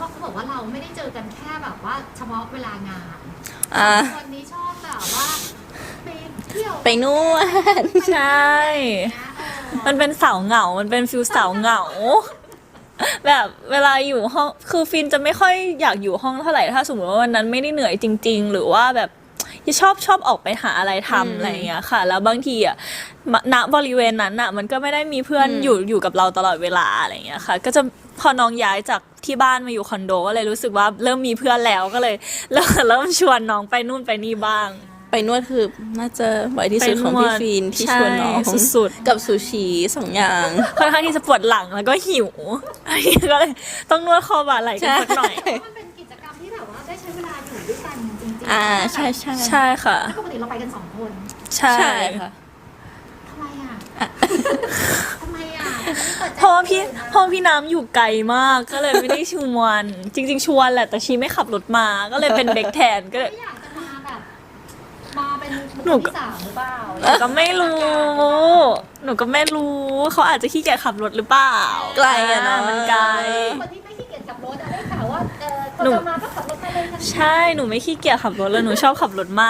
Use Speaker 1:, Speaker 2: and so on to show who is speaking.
Speaker 1: ว่าเขาบอกว่าเราไม่ได้เจอกันแค่แบบว่าเฉพาะเวลางานคนนี้ชอบแบบว่าไปเที่ยว
Speaker 2: ไปนวด
Speaker 3: ใช่ มันเป็นสาวเหงา มันเป็นฟิลสาวเหงา แบบเวลาอยู่ห้อง คือฟินจะไม่ค่อยอยากอยู่ห้องเท่าไหร่ ถ้าสมมติว่าวันนั้นไม่ได้เหนื่อยจริงๆ หรือว่าแบบชอบออกไปหาอะไรทำอะไรอย่างเงี้ยค่ะ แล้วบางทีอ่ะณบริเวณนั้นอ่ะ มันก็ไม่ได้มีเพื่อนอยู่กับเราตลอดเวลาอะไรอย่างเงี้ยค่ะ ก็จะพอน้องย้ายจากที่บ้านมาอยู่คอนโดก็เลยรู้สึกว่าเริ่มมีเพื่อนแล้วก็เลยเริ่มชวนน้องไปนู่นไปนี่บ้าง
Speaker 2: ไปนวดคือน่าจะบ่อยที่สุดของพี่ฟีนที่ชวนน้อง
Speaker 3: ใช่สุดๆ
Speaker 2: กับซูชิ2 อย่าง
Speaker 3: ค่อนข้างที่จะปวดหลังแล้วก็หิวอันนี้ก็เลยต้องนวดคอบ่าไหล่กันสักหน่อย
Speaker 1: มันเป็นกิจกรรมที่แบบว่าได้ใช้เวลาอยู่ด้วยกันจริงๆ
Speaker 2: ใช่ใช่
Speaker 3: ใช่ค่ะ
Speaker 1: ปกติเราไปกัน2 คน
Speaker 3: ใช่
Speaker 2: ใช่ค่ะ
Speaker 1: ทำไมอ่ะทำไมอ่ะ
Speaker 3: เพราะว่าพี่น้ำอยู่ไกลมากก็เลยไม่ได้ชวนจริงๆชวนแหละแต่ชีไม่ขับรถมาก็เลยเป็นเด็กแทนก็เลย
Speaker 1: ไม่อยากจะมาแบบมาเป็น
Speaker 3: หนูก็
Speaker 1: ที่3หรือเปล่า
Speaker 3: หนูก็ไม่รู้เขาอาจจะขี้เกียจขับรถหรือเปล่า
Speaker 2: ไกลอะเนาะ
Speaker 3: มันไกล
Speaker 1: คนที่ไม่ขี้เกียจขับรถอะได้ข่าวว่าคน
Speaker 3: หนู
Speaker 1: จะมาก็ขับรถมาเลยทันที
Speaker 3: ใช่หนูไม่ขี้เกียจขับรถเลยหนูชอบขับรถมาก